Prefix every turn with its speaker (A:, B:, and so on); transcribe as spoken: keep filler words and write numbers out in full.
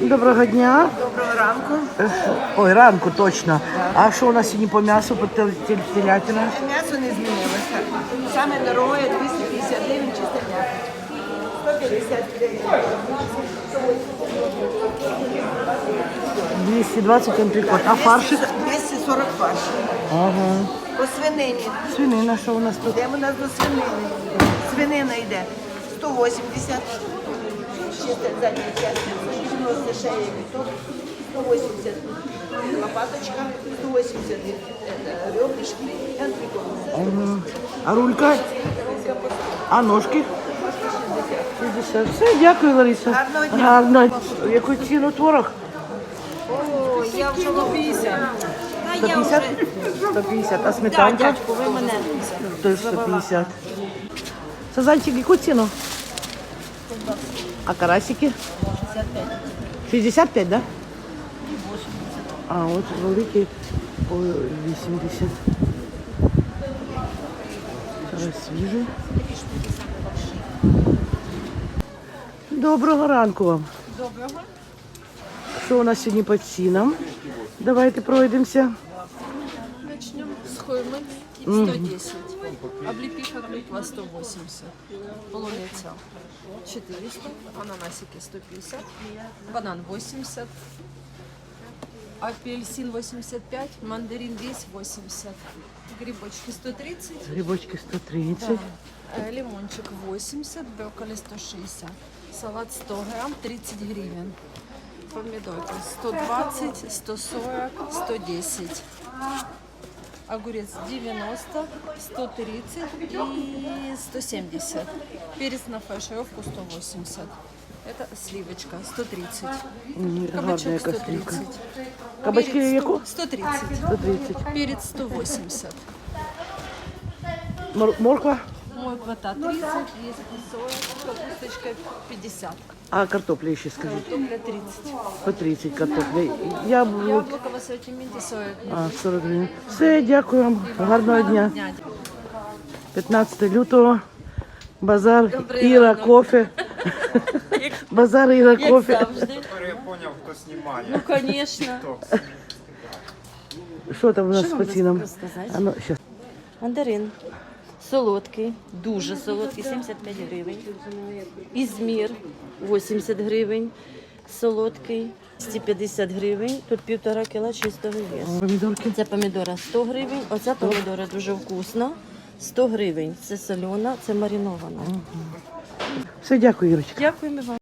A: Доброго дня.
B: Доброго ранку.
A: Ой, ранку точно. А що у нас сьогодні по м'ясу, по тел- тел- телятина?
B: М'ясо не змінилося. Саме дорогое двісті п'ятдесят гривень чисте м'ясо. сто п'ятдесят гривень.
A: двісті двадцять антрикот. А фаршик?
B: двісті сорок фарш.
A: Ага.
B: По свинині.
A: Свинина, що у нас тут?
B: Йдемо у нас до свинини. Свинина йде сто вісімдесят. Чисте задня частина. дев'яносто шея біток. сто вісімдесят лопаточка. сто вісімдесят ребрышки. І антрикот.
A: Ага. А рулька? А ножки? шістдесят. Все, дякую, Лариса.
B: Гарного дня.
A: Гарно. Яку ціну творог?
C: О, я вже лобіся. Та
A: сто
C: я
A: п'ятдесят?
C: вже...
A: сто п'ятдесят. А
C: Да,
A: сметанка?
C: дядьку, ви мене.
A: Теж сто п'ятдесят. Сазанчик, яку ціну? А карасики? шістдесят п'ять, да? А, от великий по вісімдесят. Зараз свіжий. Доброго ранку вам.
C: Доброго.
A: Що у нас сьогодні по цінам? Давайте пройдемося.
C: Начнем с хоймы. сто десять. Облепиха клюква сто восемьдесят. Полуниця четыреста. Ананасики сто пятьдесят. Банан восемьдесят. Апельсин восемьдесят пять. Мандарин весь восемьдесят. Грибочки сто тридцать.
A: Грибочки сто тридцать.
C: Э, Лимончик восемьдесят. Брокколи сто шестьдесят. Салат сто грамм тридцать гривен. Помидорки сто двадцать, сто сорок, сто десять. Огурец девяносто, сто тридцать и сто семьдесят. Перец на фаршировку сто восемьдесят. Это сливочка сто тридцать.
A: Гарна
C: Кабачок
A: яка
C: сто
A: сливка.
C: тридцать.
A: Кабачки
C: Перец
A: яку?
C: сто тридцать.
A: сто тридцать.
C: Перец сто восемьдесят.
A: Мор- Морква?
C: Морква тридцать, есть сорок, капусточка пятьдесят.
A: А картопля ще скажіть?
C: Картопля тридцать.
A: По тридцать картопля. Яблук.
C: Яблоко в ассортименте сорок.
A: А, сорок гривень. Все, дякую вам. Гарного дня.
C: Дня.
A: п'ятнадцяте лютого. Базар
C: Добрий
A: Іра
C: ранок.
A: кофе. Базар Іра
C: Як
A: кофе.
C: завжди.
D: Тепер я поняв, хто знімає.
C: Ну, звісно.
A: Що там у нас
C: Що
A: по
C: вам
A: цінам?
C: розказати?
A: А ну, щас.
E: Мандарин солодкий, дуже солодкий, сімдесят п'ять гривень. Ізмір вісімдесят гривень, солодкий двісті п'ятдесят гривень. Тут півтора кіла чистого весу.
A: Помідорки.
E: Це помідора сто гривень, оця помідора дуже вкусна, сто гривень. Це солена, це маринована.
A: Все, дякую, Ірочка.
E: Дякуємо вам.